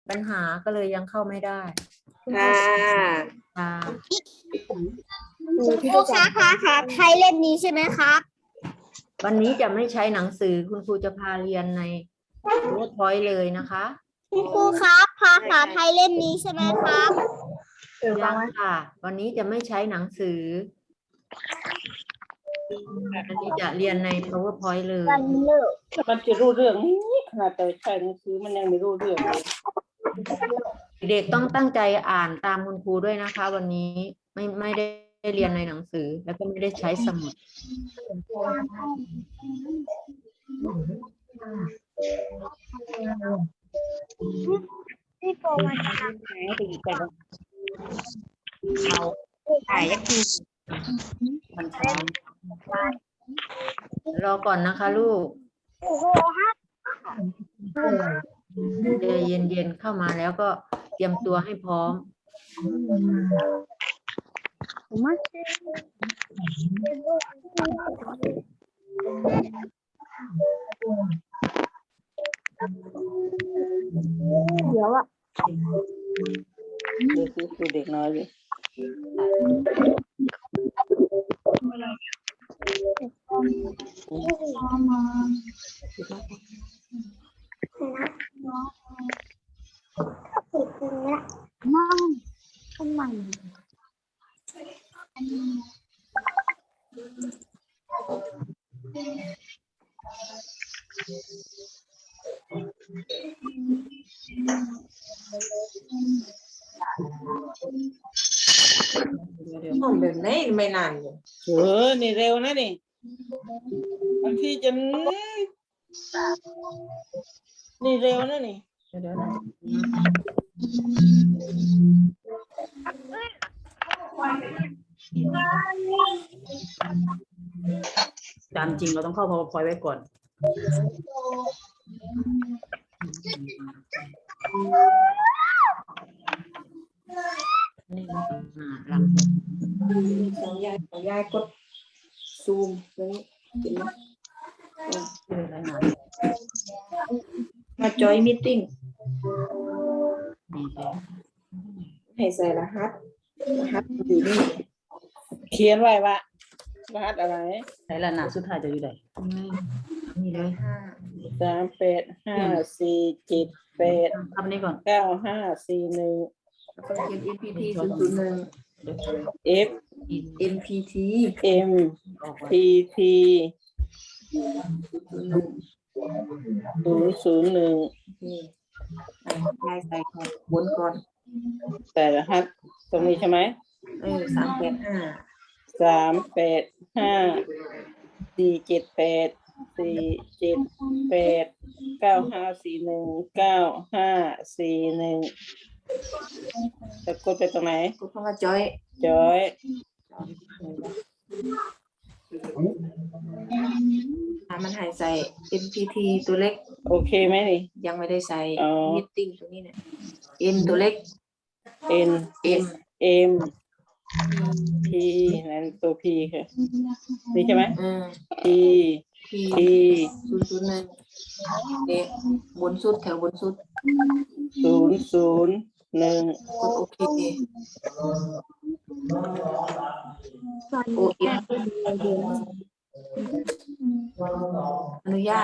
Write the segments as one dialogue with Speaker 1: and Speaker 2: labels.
Speaker 1: ปัญหาก็เลยยังเข้าไม่ได้
Speaker 2: ค่ะ
Speaker 1: ค่ะ
Speaker 3: ครูคะไทยเล่มนี้ใช่ไหมครับ
Speaker 1: วันนี้จะไม่ใช้หนังสือคุณครูจะพาเรียนใน PowerPoint เลยนะคะ
Speaker 3: คุณครูครับภาษาไทยเล่มนี้ใช่ไหมครับ
Speaker 1: ยังค่ะ วันนี้จะไม่ใช้หนังสือวันนี้จะเรียนใน PowerPoint เลย
Speaker 2: แต่มันจะรู้เรื่องนี้ขนาดแต่ใช้หนังสือมันยังไม่รู้เรื่องเลย
Speaker 1: เด็กต้องตั้งใจอ่านตามคุณครูด้วยนะคะ วันนี้ไม่ได้เรียนในหนังสือแล้วก็ไม่ได้ใช้สมุด
Speaker 3: พี่โกมาจะท
Speaker 2: ไหนไปอีกกันเอาถ่ายยักษ์มันช้าร
Speaker 1: อก่อนนะคะลูก
Speaker 3: โอ้โหครับ
Speaker 1: ใจเย็นๆเข้ามาแล้วก็เตรียมตัวให้พร้อม
Speaker 3: เดี๋ยวอ่ะ
Speaker 2: เด็กคือเด็กน้อยเลย
Speaker 3: ติดตรงนี้นั่งทำไม
Speaker 4: ห้องแบบไหนไม่นานเลย
Speaker 2: นี่เร็วนะนี่บางทีจะนี่เร็วนะนี่
Speaker 1: เดี๋ยวนะตามจริงเราต้องเข้า PowerPoint ไว้ก่อน นี่หลัง
Speaker 4: ของยายกดซูมตรงนี้เห็นไหม
Speaker 1: ชื่ออะไรนะ
Speaker 4: มาจอยมีตติ้ง
Speaker 1: นี่เลย
Speaker 4: ให้ใส่รหัสอยู่นี่
Speaker 2: เขียนไว้ว่ารหัสอะไร
Speaker 1: ใช้ละหนาสุดท้ายจะอยู่ไหนนี่เลย
Speaker 2: 385478
Speaker 1: ทำนี่ก่อน
Speaker 2: 9541
Speaker 4: แล้วก็เขียน NPT 001
Speaker 2: F
Speaker 4: NPT
Speaker 2: M
Speaker 1: ออกไว้
Speaker 2: PT
Speaker 4: 001
Speaker 2: 001
Speaker 4: นี่ยายใส่ของบนก่อน
Speaker 2: แต่รหัสตรงนี้ใช่ไหม
Speaker 4: 385
Speaker 2: 385478954195541จะกดไปตรงไหน
Speaker 4: กดคำว่าจอย
Speaker 2: จอย
Speaker 4: มันให้ใส่ NPT ตัวเล็ก
Speaker 2: โอเคไหมนี่
Speaker 4: ยังไม่ได้ใส่
Speaker 2: อ๋อ
Speaker 4: meeting ตรงนี้เนี่ย N ตัวเล็ก
Speaker 2: N
Speaker 4: M
Speaker 2: M P นั่นตัว P ค่ะนี่ใช่ไหม P
Speaker 4: P
Speaker 2: P
Speaker 4: 001เนี่ยบนสุดแถวบนสุด
Speaker 2: 001
Speaker 4: กดโอเคโอเออนุญาต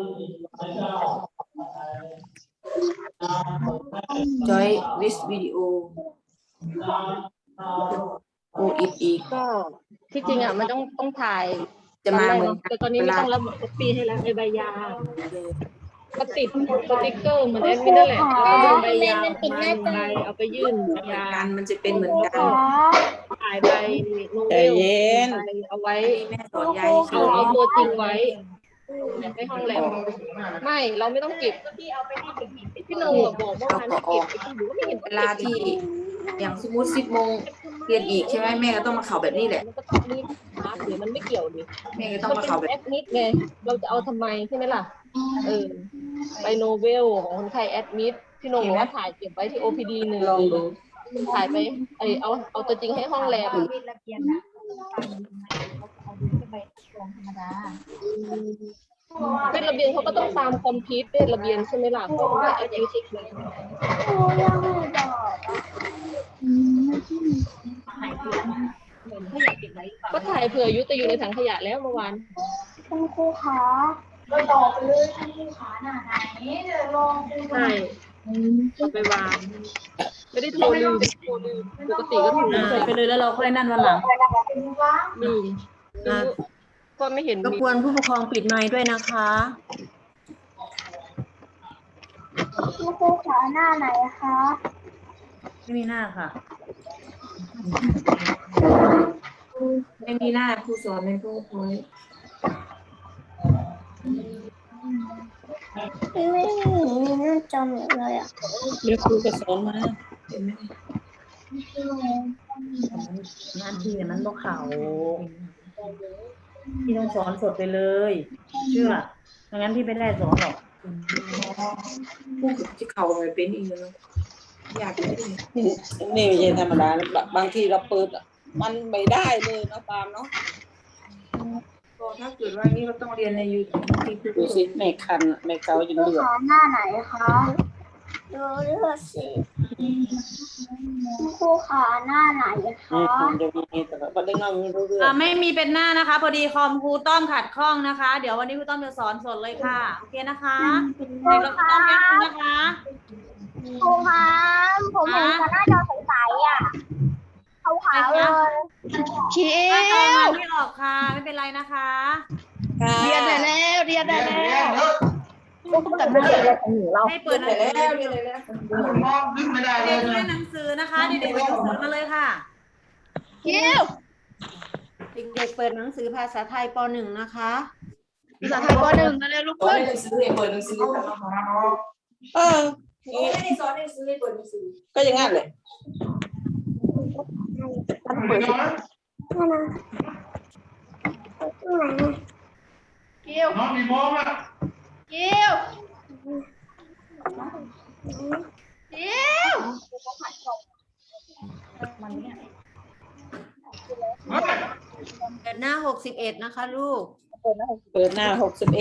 Speaker 4: จอยวิสวิดีโอโออีก
Speaker 5: ก็ที่จริงอ่ะมันต้องถ่าย
Speaker 4: จะมาเหมือน
Speaker 5: แต่ตอนนี้ไม่ต้องระบุปีให้แล้วไอ้ใบยาก็ติดสติ๊กเกอร์เหมือนแอดมินนั่นแหละแล้วก็ดึงใบยามาใบเอาไปยื่นยา
Speaker 4: กันมันจะเป็นเหมือนกัน
Speaker 5: ถ่ายใบโนเว
Speaker 2: ใจ
Speaker 5: ล
Speaker 2: เย็น
Speaker 5: ใบเอาไว้
Speaker 4: แม่สอนยาย
Speaker 5: เอาตัวจริงไว้ในห้องแลบไม่เราไม่ต้องเก็บพี่โนบอกเมื่อวานไม่เก็บไอ้ที่ดูก็ไม่เห็น
Speaker 4: เวลาที่อย่างสมมติ10 โมงเรียนอีกใช่ไหมแม่ก็ต้องมาเข่าแบบนี้แหละ
Speaker 5: มันก็ต้องรีบพักหรือมันไม่เกี่ยวดิ
Speaker 4: แม่ก็ต้อง
Speaker 5: มัน
Speaker 4: มา
Speaker 5: เป็น
Speaker 4: เข่าแบบ
Speaker 5: แอดมิดไงเราจะเอาทำไมใช่ไหมล่ะไปโนเวลของคนไข้แอดมิดพี่โนบอกว่าถ่ายเก็บไว้ที่ OPD หนึ่ง
Speaker 4: ลองดู
Speaker 5: ถ่ายไปเอาตัวจริงให้ห้องแลบเป็นระเบียนเขาก็ต้องตามคอมพิวเตอร์ระเบียนใช่ไหมล่ะเพราะว่าอายุสิบเลย
Speaker 3: ครูยังไม่บอก
Speaker 5: ก็ถ่ายเผื่ออายุแต่อยู่ในถังขยะแล้วเมื่อวาน
Speaker 3: คุณครูคะ
Speaker 5: ใช่เอาไปวางไม่ได้โทรลืมปกติก็ถูก
Speaker 1: เสร็จไปเลยแล้วเราค่อยนั่นวันหลัง
Speaker 5: ลืมก็ไม่เห็น
Speaker 1: รบ
Speaker 5: มี
Speaker 1: กวนผู้ปกครองปิดไมค์ด้วยนะคะ
Speaker 3: คุณครูคะหน้าไหนคะ
Speaker 1: ไม่มีหน้าค่ะ
Speaker 4: ไม่มีหน้าครูสอนในพวกน้อย
Speaker 3: ไม่มีหน้าจอเลยอ่ะ
Speaker 2: เดี๋ยวครูก็สอนมา
Speaker 4: เห็นไหม
Speaker 1: หน้าที่มันบอกเขาพี่ต้องสอนสดไปเลย เชื่อไม่งั้นพี่ไม่ได้สอนหรอก
Speaker 4: พวกที่เขาไปเป็นอีกแล้วอยากเป็น
Speaker 2: นี่ไม่ใช่ธรรมดาบางทีเราเปิดมันไม่ได้เลยนะปาล์มเนาะ
Speaker 4: ก็ถ้าเกิดว่านี่เราต้องเรียนในยูทูบที่ครู
Speaker 2: ดูสิแม่คันแม่เกาจน
Speaker 3: ครู
Speaker 2: เลือด
Speaker 3: คะหน้าไหนคะดูเลือดสิคุณครูคะหน้าไหนคะ
Speaker 2: จะมีแต่ประเด็นเราไม่รู้เรื่อง
Speaker 1: ไม่มีเป็นหน้านะคะ พอดีคอมครูต้อมขัดข้องนะคะ เดี๋ยววันนี้ครูต้อมจะสอนสดเลยค่ะโอเคนะคะเด็กเราครูต้อมแยกคุณนะคะ
Speaker 3: ครูคะผมเห็นหน้าจอใสๆอ่ะขาวๆเลยเขีย
Speaker 1: ถ้าเอา
Speaker 3: ว
Speaker 1: มาไม่ออกค่ะไม่เป็นไรนะคะ
Speaker 3: เรียนได้แล้วเรียนได้แล้ว
Speaker 1: ให้เปิดหนังสือ
Speaker 4: แล้วเรียนเลยแล้ว
Speaker 1: เด็กๆเรียนหนังสือนะคะเด็กๆเปิดหนังสือมาเลยค่ะ
Speaker 3: เขียว
Speaker 1: เด็กๆเปิดหนังสือภาษาไทยป .1 นะคะ
Speaker 3: ภาษาไทยป .1 มาเลยลูก
Speaker 4: สอน
Speaker 3: ขึ้น
Speaker 4: หนังสือเปิดหนังสือ ไม่ได้สอนหนังสือเปิดหนังสือ
Speaker 2: ก็อย่างนั้นเลย
Speaker 3: เขียวน้องมีมองอ่ะเขียวเขียว
Speaker 1: เปิดหน้า61นะคะลูก
Speaker 2: เปิดหน้า61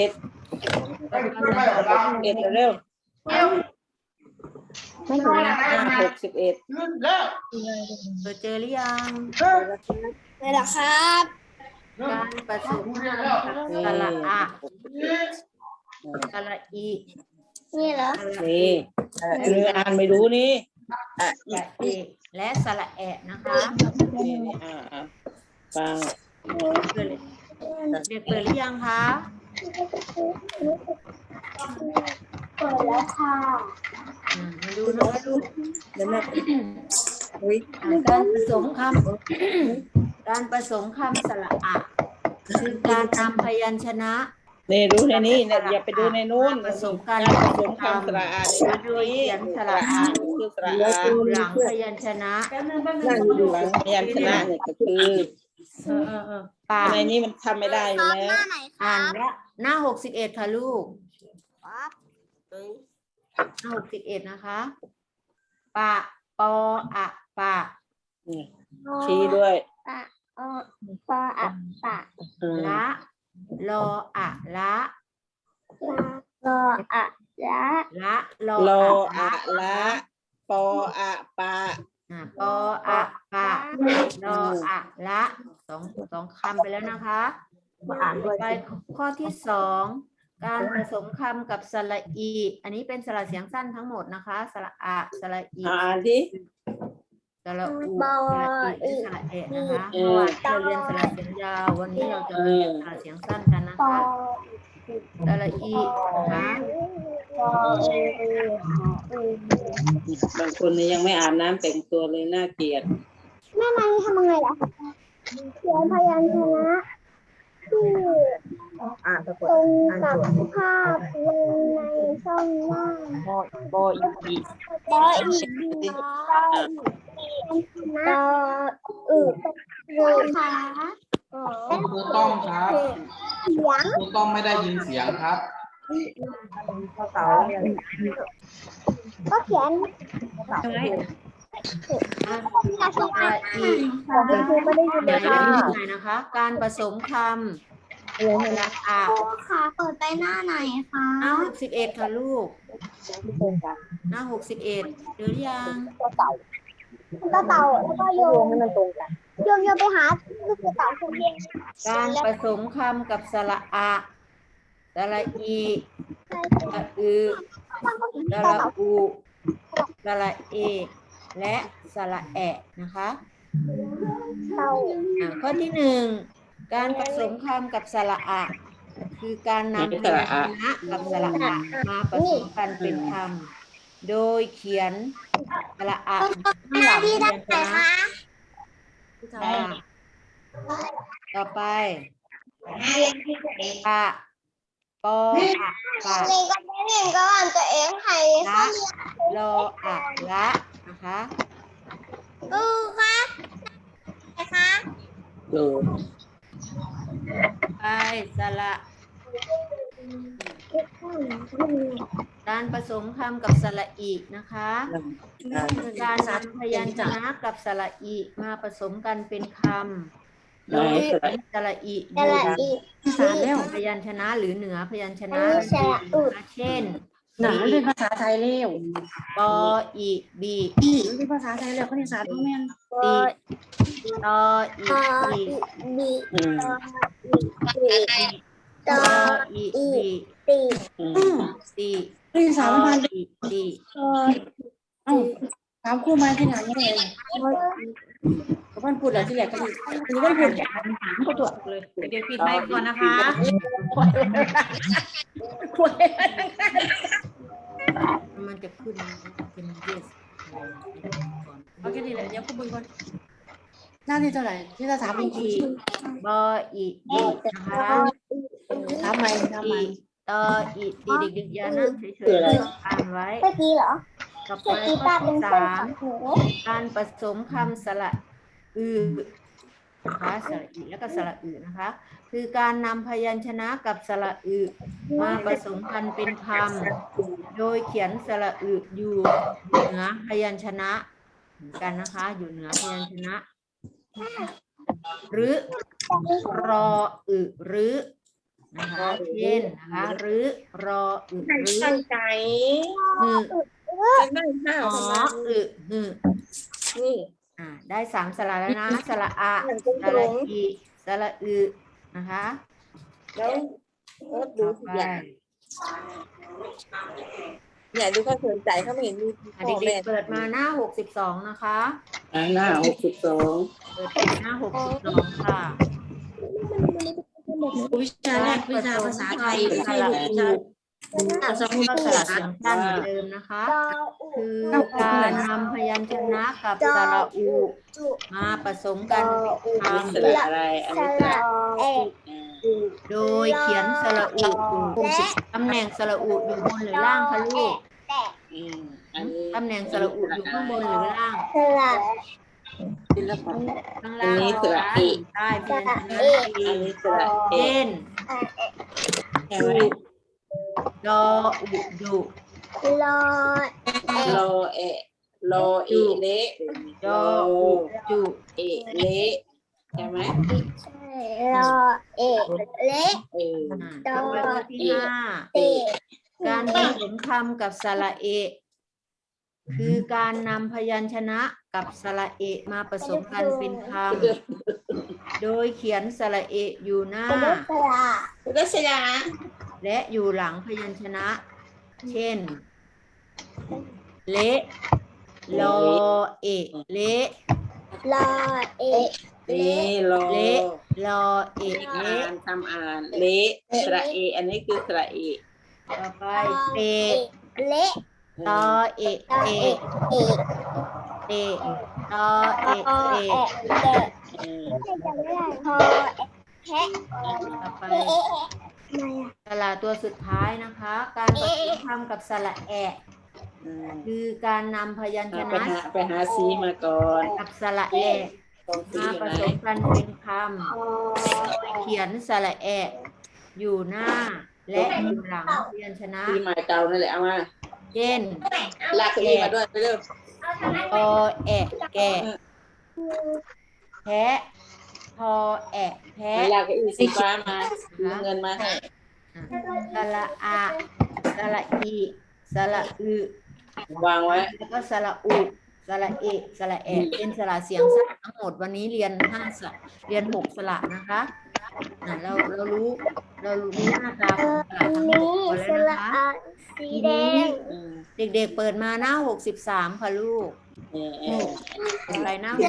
Speaker 2: เร็ว
Speaker 3: เขียว
Speaker 2: ไม่ถึงหน้า61
Speaker 1: เปิดเจอหรือยัง
Speaker 3: เลยเหรอครับ
Speaker 1: การผสมสระอะสระอี
Speaker 3: นี่เหรอ
Speaker 1: สระ
Speaker 2: นี่อ่านไม่รู้นี่
Speaker 1: สระเอและสระแอะนะคะ
Speaker 2: นี่ฟัง
Speaker 1: เปิดเด็กเปิดหรือยังคะ
Speaker 3: เปิดแล้วค่ะ
Speaker 1: มาดูนะคะลูก
Speaker 2: เดี๋ยวแม่อุ้ย
Speaker 1: การผสมคำการผสมคำสระอะคือการนำพยัญชนะ
Speaker 2: นี่ดูในนี้เนี่ยอย่าไปดูในนู้น
Speaker 1: ผสมกัน
Speaker 2: ผสมคำสระอาในนี้สระอาคือสระอา
Speaker 1: หลังพยัญชนะ
Speaker 2: นั่งอยู่หลังพยัญชนะเนี่ยก็คือ
Speaker 1: ปาก
Speaker 2: ในนี้มันทำไม่ได้อยู่แล้ว
Speaker 1: อ่านและหน้า61ค่ะลูกหน้า61นะคะปะปออะปะ
Speaker 2: นี่ชี้ด้วย
Speaker 3: ปะปออะปะ
Speaker 1: ละลออะละ
Speaker 3: ลออะละ
Speaker 1: ละลอ
Speaker 2: โล
Speaker 1: อะ
Speaker 2: อะละปออะปะ
Speaker 1: ปออะปะลออะละสองคำไปแล้วนะคะไปข้อที่2การผสมคำกับสระอี อันนี้เป็นสระเสียงสั้นทั้งหมดนะคะสระอะสระอี
Speaker 2: อ่านที่
Speaker 1: สระอูสระอีสระเอะนะคะเมื่อวานเราเรียนสระเสียงยาววันนี้เราจะเรียนสระเสียงสั้นกันนะ
Speaker 3: ปอ
Speaker 1: คะสระอีนะคะ
Speaker 3: ปอบ
Speaker 2: างคนเนี่ยยังไม่อาบน้ำแต่งตัวเลยน่าเกลียด
Speaker 3: แม่นายทำยังไงล่ะเขียนพยัญชนะที่ตรงกับภาพลงในช่องว่าง
Speaker 2: ปออีก
Speaker 3: ปออีกนะปออึค่ะ
Speaker 6: ครูต้องครับ
Speaker 3: เสียง
Speaker 6: ครูต้องไม่ได้ยินเสียงครับ
Speaker 3: ก็เขียน
Speaker 1: ใช่ไหม
Speaker 3: สระอี
Speaker 1: ของคุณครูไม่ได้ยินเลยค่ะนะคะ การผสมคสระอะ
Speaker 3: ค่ะเปิดไปหน้าไหนคะ
Speaker 1: หน้า61ค่ะลูกหน้า61เจอหรือยัง
Speaker 3: มันก็เต่าแล้วก็โยงให้มันตรงกันโยงไปหาลูกกระเต่าคนเดียว
Speaker 1: การผสมคำกับสระอะสระอีสระอือสระอูสระเอและสระแอะนะคะ
Speaker 3: เต่า
Speaker 1: ข้อที่หนึ่งการผสมคำกับสระอะคือการนำพยัญชนะกับสระอะมาผสมกันเป็นคำโดยเขียนสระอะข้างหลังพยัญชนะต่อไปปะปออะปะ
Speaker 3: ในก็ไม่เห็นก็อ่านตัวเองให้
Speaker 1: ละรออะละนะคะ
Speaker 3: คะคะ
Speaker 1: ไปสระการผสมคำกับสระอีนะคะการนำพยัญชนะกับสระอีมาผสมกันเป็นคำโดยสระอีอยู่แล้วพยัญชนะหรือเหนือพยัญชนะเช่น
Speaker 2: หนังเป็นภาษาไทยเร็ว
Speaker 1: ปออีบี
Speaker 2: เป็นภาษาไทยเร็วเขาเรียนภาษาพ่อแม่
Speaker 1: ตีตออีบี
Speaker 3: บี
Speaker 1: ตออีบี
Speaker 3: ตี
Speaker 1: ตี
Speaker 2: เรียนภาษาบ้าน
Speaker 1: อีตี
Speaker 2: เอ้าถามครูมาที่ไหนไม่เลยเขาพูดแล้วที่แรกก็คืออันนี้ก็พูดถามเขาตัวเลย
Speaker 1: เดี๋ยวปิดไมค์ก่อนนะคะ
Speaker 2: คุย
Speaker 1: มันจะขึ้นเป็น yes
Speaker 2: เอาแค่นี้แหละเดี๋ยวคุณบุญก่อนหน้าที่เท่าไหร่ที่จะถามจริง
Speaker 1: บออีบีนะคะ
Speaker 2: ๆถามใหม่ถามใหม่
Speaker 1: อีตออีตีเด็กๆอย่านั่งเฉยๆอ่านไว้
Speaker 3: เมื่อกี้เหรอ
Speaker 1: ต่อไป
Speaker 3: เมื่อกี้
Speaker 1: ข้
Speaker 3: ป้า
Speaker 1: อ
Speaker 3: เป็น
Speaker 1: ที่
Speaker 3: คน
Speaker 1: สาม
Speaker 3: ของหนู
Speaker 1: การผสมคำสระอือนะคะสระอีแล้วก็สระอือนะคะ คือการนำพยัญชนะกับสระอือมาผสมกันเป็นคำโดยเขียนสระอืออยู่เหนือพยัญชนะเหมือนกันนะคะ อยู่เหนือพยัญชนะ หรือรออึหรือนะคะเช่นนะคะหรือรออึหรือ
Speaker 5: ตั้งใจ
Speaker 1: หือ
Speaker 5: จะนั่งห้าว
Speaker 1: อ๋อ
Speaker 5: ทำไม
Speaker 1: อึหือ
Speaker 5: นี่
Speaker 1: ได้3สระแล้วนะสระอะสระอีสระอึนะคะ
Speaker 5: แล้วโอ๊ตดู
Speaker 1: ต่อ
Speaker 5: สิ
Speaker 1: ไป
Speaker 5: เนี่ยดูเขาสนใจเขาไม่เห็นมีพ่อ
Speaker 1: เด็
Speaker 5: แม่
Speaker 1: กๆเปิดมาหน้า62นะคะ
Speaker 2: หน้า62
Speaker 1: เปิดไปหน้า62ค่ะ
Speaker 2: วิชาแรกวิชาภาษาไทยไม่ใช่วิชา
Speaker 1: สมุดสระเสียงสั้นเหมือนเดิมนะคะ คือการนำพยัญชนะกับสระอูมาผสมกันเป็นคำ
Speaker 2: สระอะไรอัน
Speaker 3: ส
Speaker 2: นี้ส
Speaker 3: ระ
Speaker 2: ระ
Speaker 3: เอ
Speaker 1: โดยเขียนสระอูอยู่ตำแหน่งสระอูอยู่บนหรือล่างคะลูก
Speaker 2: อันนี้
Speaker 1: ตำแหน่งสระอูอยู่ข้างบนหรือล่าง
Speaker 3: สระ
Speaker 2: ศิลปะ
Speaker 1: ข้างล่าง
Speaker 2: อันนี้สระอี
Speaker 1: ใต้พยัญชนะ
Speaker 2: อันนี้สระเอ
Speaker 1: เช่น
Speaker 2: ใช่ไหม
Speaker 1: ดออุดุ
Speaker 3: รอ
Speaker 2: โลเอโลเอเละ
Speaker 1: ดออุจุ
Speaker 2: เอเละใช่ไหม
Speaker 3: รอเอเละ
Speaker 1: ต่อไปข้อที่ห้า
Speaker 3: เต
Speaker 1: การผสมคำกับสระเอ คือการนำพยัญชนะกับสระเอมาผสมกันเป็นคำโดยเขียนสระเออยู่หน้า
Speaker 3: สระ
Speaker 5: รัชยา
Speaker 1: และอยู่หลังพยัญชนะ เช่น เละลอเอะเละ
Speaker 3: รอเอ
Speaker 2: เละโล
Speaker 1: เละลอเอะ
Speaker 2: อ่า
Speaker 1: เละ
Speaker 2: นทำอ่านเละสระเออันนี้คือสระเอ
Speaker 1: ต่อไปเต
Speaker 3: เละ
Speaker 1: ตอเอะ
Speaker 3: รอ
Speaker 1: เอ
Speaker 3: เอเอ
Speaker 1: เตตอเอะ
Speaker 3: รอ
Speaker 1: เอ
Speaker 3: เอเละไม่จำไม่ได้พอแพะ
Speaker 1: ต่อไป
Speaker 3: เอะทำไมอ่ะ
Speaker 1: สระตัวสุดท้ายนะคะ การผสมคำกับสระแอะ คือการนำพยัญช
Speaker 2: ไป
Speaker 1: นะ
Speaker 2: หาซีมาก่อน
Speaker 1: กับสระแอะ
Speaker 2: ตรงซี
Speaker 1: มา
Speaker 2: อยู่
Speaker 1: ผ
Speaker 2: ไหน
Speaker 1: สมกันเป็นคำเขียนสระแอะอยู่หน้าและอยู่หลังพยัญชนะ
Speaker 2: ซีใหม่เก่านั่นแหละเอามา
Speaker 1: เช่น
Speaker 2: ลากเก้าอี้มาด้วยไปเร็ว
Speaker 1: อแอะแกะแพะอแอะแพะ
Speaker 2: เวลาก็อีสีฟ้ามาเงินมา
Speaker 1: สระอะสระอีสระอึ
Speaker 2: วางไว้
Speaker 1: แล้วก็สระอุสระเอะสระแอะเป็นสระเสียงสั้นทั้งหมดวันนี้เรียน5 สระเรียน6 สระนะคะเรารู้หน้าตาของสระทั้งหมด
Speaker 3: ส
Speaker 1: แล้ว
Speaker 3: ระ
Speaker 1: นะคะ
Speaker 3: อาสีแดง
Speaker 1: เด็กๆเปิดมาหน้า63ค่ะลูกไปหน้า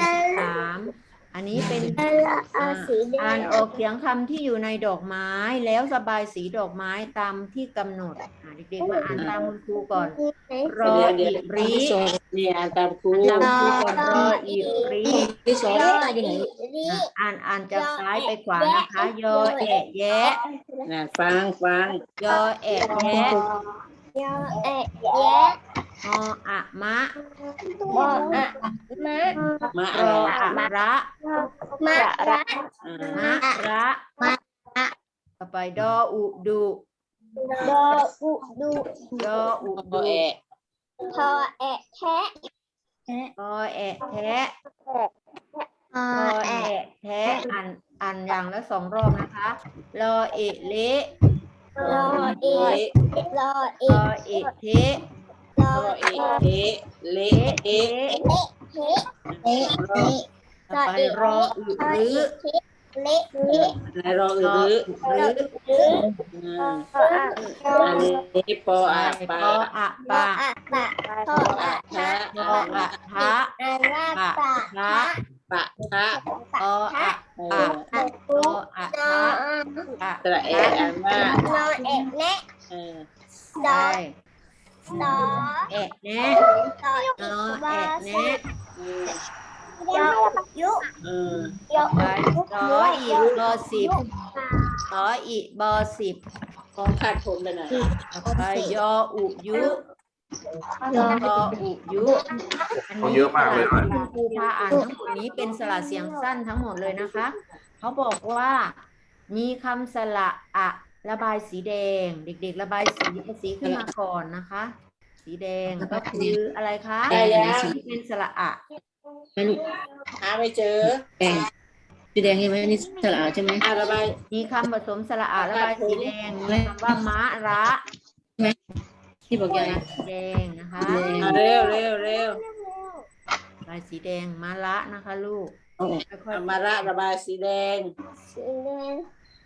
Speaker 1: 63อันนี้เป็น
Speaker 3: สระอาสีแด
Speaker 1: อ่าง นออกเสียงคำที่อยู่ในดอกไม้แล้วระบายสีดอกไม้ตามที่กำหนดเด็กๆมาอ่านตามคุณครูก่อนรออีรี
Speaker 2: นี่อ่านตามครู
Speaker 1: ตามครูก่อนรออีรี
Speaker 2: ที่สอนอยู่ไหน
Speaker 1: อ่านจากซ้ายไปขวานะคะยอแอะแยะ
Speaker 2: ฟัง
Speaker 1: ยอแอะแยะ
Speaker 3: ยอแอะแยะ
Speaker 1: มออะมะ
Speaker 3: บออะมะ
Speaker 2: มา
Speaker 1: รออะระ
Speaker 3: มะระ
Speaker 1: มะระต่อไปดออุดุ
Speaker 3: ดออุดุ
Speaker 1: ยออุ
Speaker 2: โอ
Speaker 1: ดุ
Speaker 2: เอ
Speaker 3: ทอแอะแทะ
Speaker 1: อแอะแทะ
Speaker 3: อ
Speaker 1: อ
Speaker 3: แอะ
Speaker 1: แอะแทะอ่านอย่างละ2 รอบนะคะรอเอะเละ
Speaker 3: รอเอะรอเอ
Speaker 1: รอเอะเทะ
Speaker 3: รอ
Speaker 2: โอเอ
Speaker 3: เอะ
Speaker 2: เละ
Speaker 1: เอะเทะ
Speaker 3: เละเละ
Speaker 1: ต่อไปรออึรื้อ
Speaker 3: เละเละ
Speaker 2: รอ
Speaker 1: รอ
Speaker 2: อือ
Speaker 1: อึรื้อ
Speaker 3: หรือ
Speaker 2: อันนี้ปออะ
Speaker 1: ป
Speaker 2: ปา
Speaker 1: ออะปะ
Speaker 3: อะปะทออะทะ
Speaker 1: ทออะทะ
Speaker 3: อาราปะ
Speaker 1: ทะ
Speaker 2: ปะทะ
Speaker 1: ออะปะโออะ
Speaker 3: นอ
Speaker 1: ทะปะ
Speaker 2: ตระเออันว่าน
Speaker 3: อเอะแนะ
Speaker 1: ใช่
Speaker 3: ดอ
Speaker 1: แอะแนะ
Speaker 3: ดอน
Speaker 1: อแอะแนะ
Speaker 3: ยอยุ ยอ
Speaker 1: ไปสออีบอ10สออีบอ10
Speaker 2: ของขาดผมไปไหน
Speaker 1: ต่อไปยออุยุ
Speaker 3: ยอ
Speaker 1: กออุยุอันนี้
Speaker 6: เยอะมากเลย
Speaker 1: สระที่คุณครูพาอ่านทั้งหมดนี้เป็นสระเสียงสั้นทั้งหมดเลยนะคะเขาบอกว่ามีคำสระอะระบายสีแดง เด็กๆระบายสีขึ้นมาก่อนนะคะ สีแดงก็คืออะไรคะ
Speaker 2: ได้แล้ว
Speaker 1: ที่เป็นสระอะ
Speaker 2: หาไม่เจอ
Speaker 7: สีแดงใช่ไหมนี่สระใช่ไหม
Speaker 2: ระบาย
Speaker 1: มีคำผสมสระอะระบายสีแดงมีคำว่ามะระ
Speaker 7: ที่บอกยังไง
Speaker 1: สีแดงนะคะ
Speaker 2: เร็ว
Speaker 1: ลายสีแดงมะระนะคะลูกค่อย
Speaker 2: มาระบายสีแดง
Speaker 3: สีแดง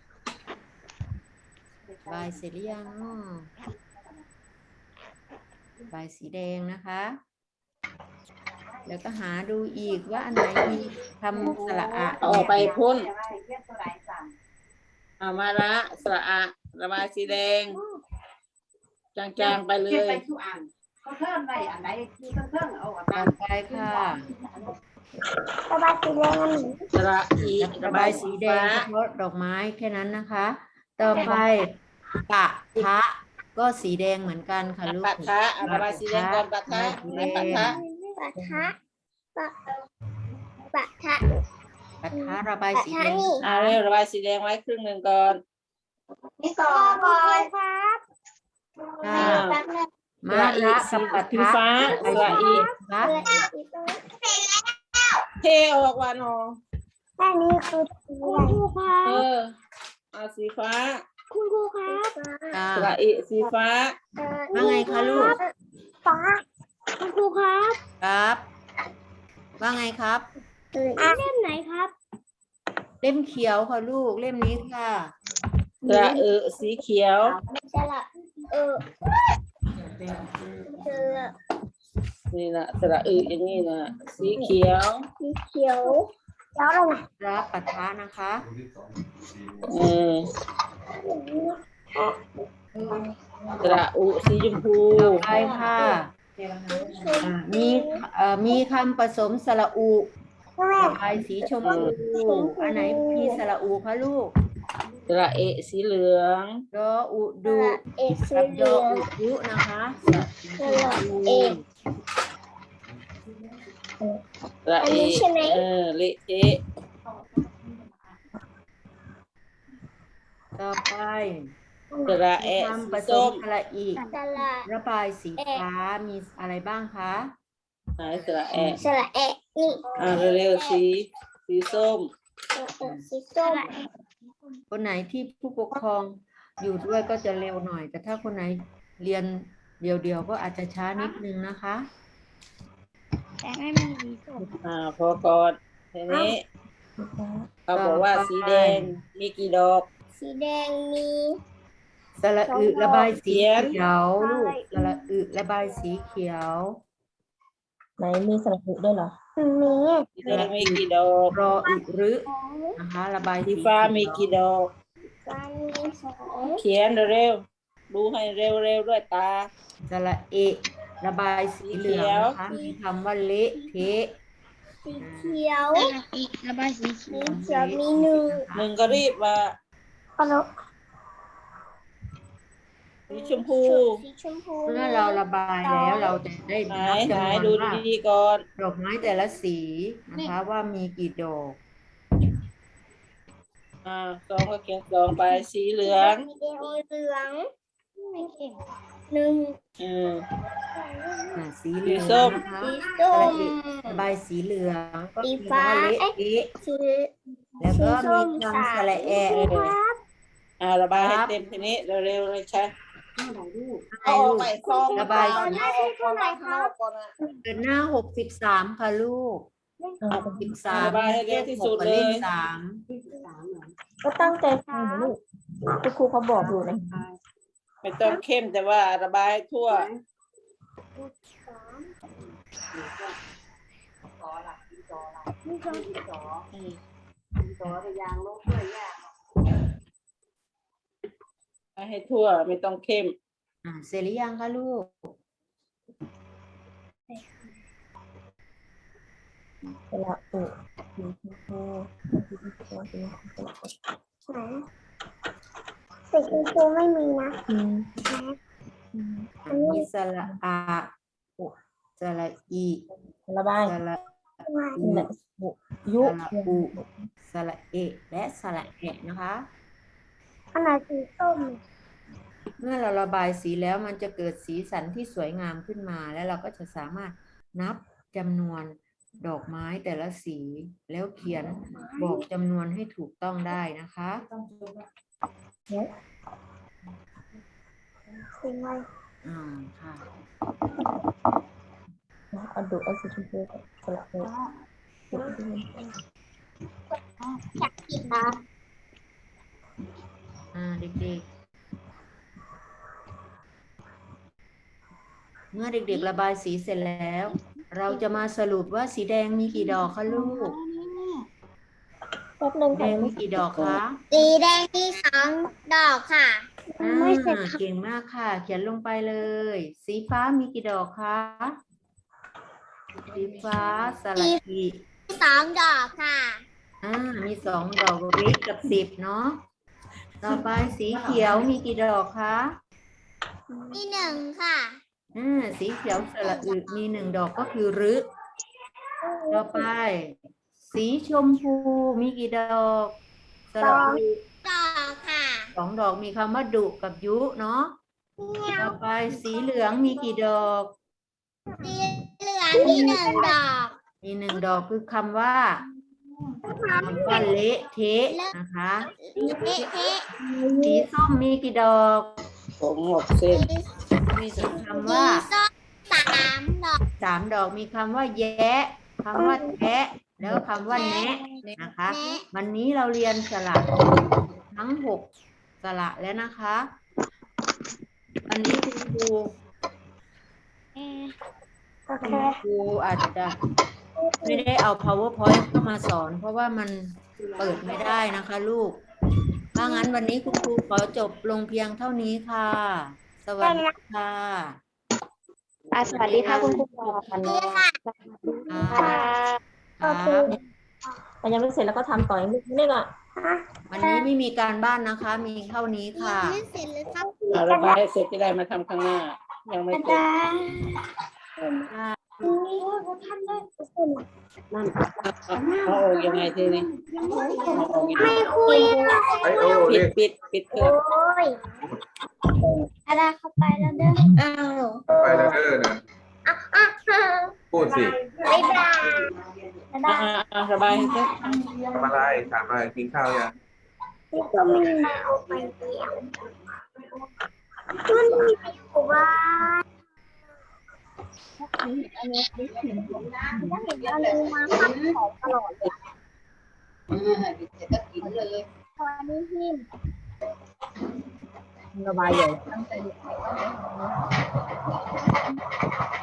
Speaker 1: ๆบายเสร็จหรือยังอ้อบายสีแดงนะคะ แล้วก็หาดูอีกว่าอันไหนมีคำสระอะ
Speaker 2: ออกไปพ่นมาสระอะระบายสีแดงจางๆไปเลย
Speaker 1: ต่อไปค่ะ
Speaker 3: ระบายสีแดง
Speaker 2: สระอี
Speaker 1: ระบายสีแดงเฉพาะดอกไม้แค่นั้นนะคะ ต่อไปปะทะก็สีแดงเหมือนกันค่ะลูก
Speaker 2: ปะทะระบายสีแดงก่อนปะทะไม่ปะทะ
Speaker 3: ปะทะปะทะ
Speaker 1: ปะทะระบายสีแดง
Speaker 2: เร็วระบายสีแดงไว้ครึ่งหนึ่งก่อน
Speaker 3: ก่อนครับ
Speaker 1: ค่ะมาระกับปะ
Speaker 2: สี
Speaker 1: ทะ
Speaker 2: ฟ้าสระอี
Speaker 1: นะ
Speaker 2: เทออกวันอ
Speaker 3: อันนี้คือคุณครูครับ
Speaker 2: เอาสีฟ้า
Speaker 3: คุณครูครับ
Speaker 1: ค่ะ
Speaker 2: สระอีสีฟ้า
Speaker 1: ว่าไงคะลูก
Speaker 3: ฟ้าคุณครูครับ
Speaker 1: ครับ ว่าไงครับ
Speaker 3: เล่มไหนครับ
Speaker 1: เล่มเขียวค่ะลูกเล่มนี้ค่ะ
Speaker 2: สระสีเขียว
Speaker 3: สระสระ
Speaker 2: นี่นะสระอย่างนี้นะสีเขียว
Speaker 3: สีเขียวแล้วอะไร
Speaker 1: ระปะทะนะคะ
Speaker 2: สระสีชมพู
Speaker 1: ต่อไปค่ะมีคำผสมสระอุระบายสีชมพูอันไหนมีสระอุคะลูก
Speaker 2: สระสีเหลือง
Speaker 1: ดออุดุ
Speaker 3: สี
Speaker 1: กับ
Speaker 3: เห
Speaker 1: ด
Speaker 3: ลื
Speaker 1: อ
Speaker 3: อง
Speaker 1: อุยุนะคะ
Speaker 3: สระเอ
Speaker 2: สระ
Speaker 3: อันนี้ใช่ไหม
Speaker 2: เละเทะ
Speaker 1: ต่อไป
Speaker 2: สระ
Speaker 1: คำผ
Speaker 2: สี
Speaker 1: ส
Speaker 2: ส้
Speaker 1: ม
Speaker 2: ม
Speaker 1: สระอี
Speaker 3: สระ
Speaker 1: ระบายสีฟ้ามีอะไรบ้างคะ
Speaker 2: ไหนสระ
Speaker 3: สระเอนี่
Speaker 2: เร็วๆสีส้ม
Speaker 3: สีส้ม
Speaker 1: คนไหนที่ผู้ปกครองอยู่ด้วยก็จะเร็วหน่อย แต่ถ้าคนไหนเรียนเดี่ยวๆก็อาจจะช้านิดนึงนะคะ
Speaker 3: แต่ไม่มีสีส้ม
Speaker 2: พอก่อนทีนี้เขาบอกว่าสีแดงมีกี่ดอก
Speaker 3: สีแดงมี
Speaker 1: สระอึระบายสีเขียวลูกสระอึระบายสีเขียว
Speaker 2: ไหนมีสระอึด้วยเหรอ
Speaker 3: มี
Speaker 2: สีแดงมีกี่ดอก
Speaker 1: รออึรึนะคะ ระบาย
Speaker 2: สีฟ้ามีกี่ดอก
Speaker 3: ฟ้ามีสอง
Speaker 2: เขียนเร็วๆดูให้เร็วๆด้วยตา
Speaker 1: สระเอะระบายสีเหลืองนะคะมีคำว่าเละเทะ
Speaker 3: สีเขียว
Speaker 5: ระบายสีเขี
Speaker 3: สี
Speaker 5: ยว
Speaker 3: เขียวมีหนึ่ง
Speaker 2: หนึ่งก็รีบมา
Speaker 3: ฮัลโหล
Speaker 2: สีชมพู
Speaker 3: สีชมพู
Speaker 1: เมื่อเราระบายแล้วเราจะได้
Speaker 2: ไหน
Speaker 1: นับ
Speaker 2: ไหน
Speaker 1: จำน
Speaker 2: ดู
Speaker 1: วนว่า
Speaker 2: ดีๆก่อน
Speaker 1: ดอกไม้แต่ละสีนะคะว่ามีกี่ดอก
Speaker 2: สองก็เขียนสองไปสีเหลือง
Speaker 3: สีแดงเหลืองไม่เก่งหนึ่ง
Speaker 1: สีเหลือง
Speaker 2: สีส้ม
Speaker 1: นะคะ
Speaker 3: สีส้ม
Speaker 1: ระบายสีเหลืองก็
Speaker 3: สี
Speaker 1: มี
Speaker 3: ฟ้า
Speaker 1: คำว่าเละเทะ
Speaker 3: สี
Speaker 1: แล้วก็
Speaker 3: ส้ม
Speaker 1: มีคำสระแอะ
Speaker 3: ครับ
Speaker 2: ระบายให้เต็มทีนี้เร็วๆเลยใช่
Speaker 1: ให้ลูก
Speaker 2: ระบาย
Speaker 3: ตอนหน้าที่เท่าไหร่ครับ
Speaker 1: เดินหน้า63ค่ะลูก63
Speaker 2: ระบายให้เร็วที่สุดเลย
Speaker 1: สาม
Speaker 2: ก็ตั้งใจฟังลูกคุณครูเขาบอกอยู่นะไม่ต้องเข้มแต่ว่าระบายให้ทั่ว ให้ทั่วไม่ต้องเข้ม
Speaker 1: เสร็จหรือยังคะลูก
Speaker 2: สระอึ
Speaker 3: ไหนสีชมพูไม่มีนะ
Speaker 1: มีสระอาสระอี
Speaker 2: ระบาย
Speaker 1: สระ
Speaker 2: ยุ
Speaker 1: สระอุสระเอะและสระแอะนะคะ
Speaker 3: อันไหนสีส้ม
Speaker 1: เมื่อเราระบายสีแล้วมันจะเกิดสีสันที่สวยงามขึ้นมา แล้วเราก็จะสามารถนับจำนวนดอกไม้แต่ละสี แล้วเขียนบอกจำนวนให้ถูกต้องได้นะคะ
Speaker 3: สีอะไร
Speaker 1: ค่ะ
Speaker 2: เอาดูเอาสีชมพูสระอึ
Speaker 3: อยากกินครับ
Speaker 1: เด็กๆ เมื่อเด็กๆระบายสีเสร็จแล้ว เราจะมาสรุปว่าสีแดงมีกี่ดอกคะลูก
Speaker 2: แป๊บนึง
Speaker 1: แดงมีกี่ดอกคะ
Speaker 3: สีแดงมีสองดอกค่ะ
Speaker 1: เก่งมากค่ะ เขียนลงไปเลย สีฟ้ามีกี่ดอกคะสีฟ้าสระอี
Speaker 3: สองดอกค่ะ
Speaker 1: มี2 ดอกริกกับ10เนาะต่อไปสีเขียวมีกี่ดอกคะ
Speaker 3: มีหนึ่งค่ะ
Speaker 1: สีเขียวสระอึมี1 ดอกก็คือรึต่อไป สีชมพูมีกี่ดอกสระอึ
Speaker 3: ดอกค่ะ
Speaker 1: 2 ดอกมีคำว่าดุกับยุเนาะต่อไปสีเหลืองมีกี่ดอก
Speaker 3: สีเหลืองมีหนึ่งดอก
Speaker 1: มี1 ดอกคือคำว่าเละเทะนะคะ
Speaker 3: เอ๊ะเอ๊ะ
Speaker 1: สีส้มมีกี่ดอก
Speaker 2: ผม6 เส้น
Speaker 1: มีคำ
Speaker 3: สี
Speaker 1: ว่า
Speaker 3: ส้ม3 ดอก
Speaker 1: 3 ดอกมีคำว่าแยะคำว่าแทะแล้วคำว่าแนะนะคะ วันนี้เราเรียนสระทั้ง6สระแล้วนะคะวันนี้คุณครูอาจจะไม่ได้เอา PowerPoint เข้ามาสอน เพราะว่ามันเปิดไม่ได้นะคะลูกถ้างั้นวันนี้คุณครูขอจบลงเพียงเท่านี้ค่ะ สวัสดีค่ะ
Speaker 2: สวัสดีค่ะคุณครู
Speaker 1: ครับ
Speaker 2: มันยังไม่เสร็จแล้วก็ทำต่ออีกนิดนึงอ่ะ
Speaker 1: วันนี้ไม่มีการบ้านนะคะ มีเท่านี้ค่ะ
Speaker 3: ไม่เสร็จเลยครับ
Speaker 2: ระบายให้เสร็จจะได้มาทำข้างหน้า ยังไม่เสร็จ เอาออกยังไงทีนี้เอาออกยังไง
Speaker 3: ไม่คุย
Speaker 2: ปิดเครื่อง
Speaker 3: โอ้ยอะไรเข้าไปแล้วเด้ออ้าว
Speaker 8: ไปแล้วเด้อนะพูดสิ
Speaker 3: บ๊ายบายได้
Speaker 2: สบายเจ๊
Speaker 8: ทำอะไรถามอะไรกินข้าวยัง
Speaker 3: ที่ก็ไม่มาเอาไปเดียวมันมีอยู่บ้านถ้าเห็นอะไรมาขับของตลอดเลยตอนนี้ที่
Speaker 2: สบายใหญ่